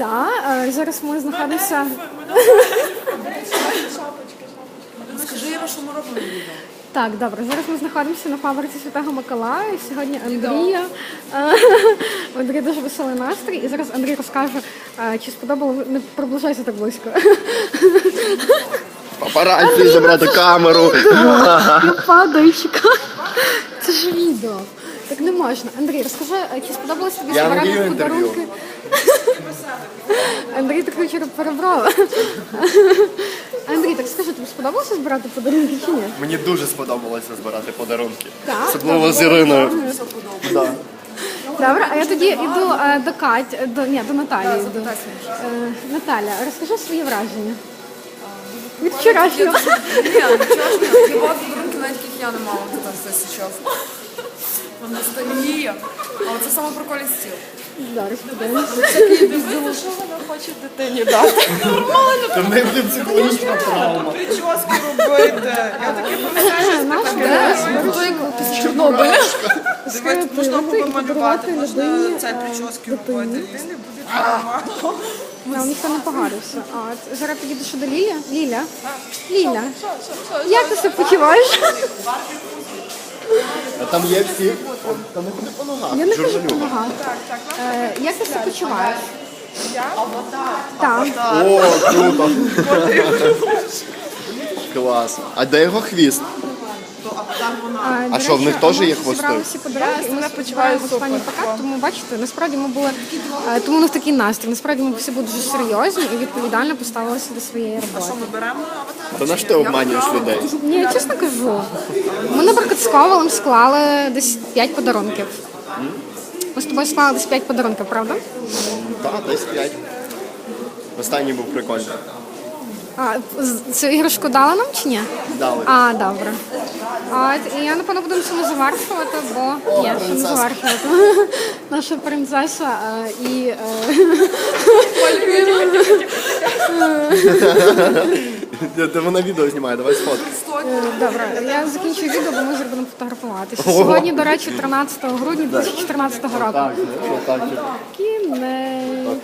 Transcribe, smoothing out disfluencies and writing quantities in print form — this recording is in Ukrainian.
Так, зараз ми знаходимося... Скажи, Іра, що ми робимо відео? Так, добре, зараз ми знаходимося на фабриці Святого Миколая. І сьогодні Андрія. Андрій дуже веселий настрій. І зараз Андрій розкаже, чи сподобалося... Не приближайся так близько. Папараці, забрати камеру. Я падаю, чекаю. Це ж відео. Так не можна. Андрій, розкажи, чи сподобалося тобі збирати подарунки? Андрій так вчора перебрав. Андрій, так скажи, тобі сподобалося збирати подарунки чи ні? Мені дуже сподобалося збирати подарунки. Так? Особливо з Іриною. Да. Добре, а я тоді йду до Каті, до Наталії. Йду. Наталя, розкажи свої враження. Від вчорашнього. Ні, вчорашнього. Хіба подарунки навіть яких я не мала тут все зараз. Вона стає. А оце саме прикольний стіл. Зараз подивимося. Дивіться, що вона хоче дитині дати. Нормально. Та в неї буде психологічна травма. Прически робити. Я таке пам'ятаю. Після Чорнобиля. Дивіться, можна губи малювати, можна цей прически робити. Дитини буде нормально. Ніхто не погарився. Зараз підійдеш до Ліля. Ліля, як ти себе почуваєш? А там є всі. Там не ходи по ногах. Я не кажу допомагати. Як ти себе почуваєш? Я? Так. О, круто. Клас. А де його хвіст? А що, в них теж є хвости? Зібрали всі подарунки, і ми сподіваємося в останній пакет, тому бачите, насправді ми були, тому у нас такий настрій, насправді ми всі були дуже серйозні і відповідально поставилися до своєї роботи. Ми беремо аватар. То на що ти обманюєш людей? Ні, я чесно кажу. Ми, наприклад, з Ковалем склали десь 5 подарунків. Ми з тобою склали десь 5 подарунків, правда? Так, десь 5. Останній був прикольний. Цю іграшку дали нам чи ні? Дали. Добре. І я, напевно, буду цьому завершувати, бо є що не завершувати. Наша принцеса і... Де вона відео знімає, давай сфоткай. Добре, я закінчую відео, бо ми зараз будемо фотографуватися. Сьогодні, до речі, 13 грудня 2014 року. Так, так. Кінець.